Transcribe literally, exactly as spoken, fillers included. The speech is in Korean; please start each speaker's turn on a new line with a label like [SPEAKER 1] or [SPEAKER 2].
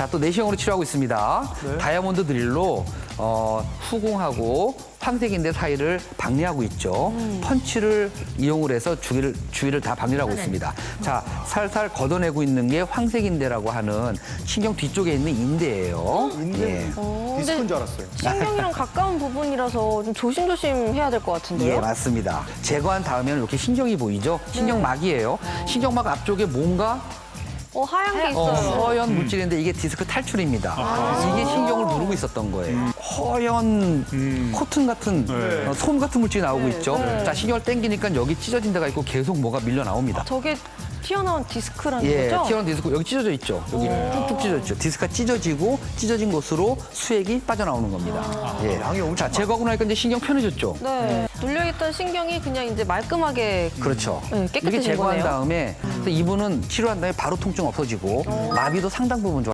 [SPEAKER 1] 자, 또 내시경으로 치료하고 있습니다.
[SPEAKER 2] 네.
[SPEAKER 1] 다이아몬드 드릴로 어, 후공하고 황색인대 사이를 박리하고 있죠.
[SPEAKER 2] 음.
[SPEAKER 1] 펀치를 이용을 해서 주위를, 주위를 다 박리를 하고 있습니다. 자, 살살 걷어내고 있는 게 황색인대라고 하는 신경 뒤쪽에 있는 인대예요.
[SPEAKER 2] 인대
[SPEAKER 1] 예.
[SPEAKER 3] 어,
[SPEAKER 2] 디스크인
[SPEAKER 3] 근데
[SPEAKER 2] 줄 알았어요.
[SPEAKER 3] 신경이랑 가까운 부분이라서 좀 조심조심 해야 될 것 같은데요?
[SPEAKER 1] 예, 맞습니다. 제거한 다음에는 이렇게 신경이 보이죠? 신경막이에요. 신경막 앞쪽에 뭔가
[SPEAKER 3] 어, 하얀 게
[SPEAKER 1] 어,
[SPEAKER 3] 있어요.
[SPEAKER 1] 허연 물질인데 이게 디스크 탈출입니다. 이게 신경을 누르고 있었던 거예요. 허연 코튼 같은
[SPEAKER 2] 네.
[SPEAKER 1] 어, 솜 같은 물질이 나오고 있죠.
[SPEAKER 3] 네.
[SPEAKER 1] 자, 신경을 당기니까 여기 찢어진 데가 있고 계속 뭐가 밀려 나옵니다.
[SPEAKER 3] 저게 튀어나온 디스크라는
[SPEAKER 1] 예,
[SPEAKER 3] 거죠?
[SPEAKER 1] 튀어나온 디스크 여기 찢어져 있죠. 여기 뚝뚝 찢어져 있죠. 디스크가 찢어지고 찢어진 곳으로 수액이 빠져나오는 겁니다. 예.
[SPEAKER 2] 양이 엄청
[SPEAKER 1] 자, 제거하고 나니까 이제 신경 편해졌죠.
[SPEAKER 3] 네. 눌려있던 신경이 그냥 이제 말끔하게
[SPEAKER 1] 그렇죠.
[SPEAKER 3] 네, 깨끗해진
[SPEAKER 1] 이렇게 제거한
[SPEAKER 3] 거네요.
[SPEAKER 1] 다음에 그래서 이분은 치료한 다음에 바로 통증 없어지고 마비도 상당 부분 좋아.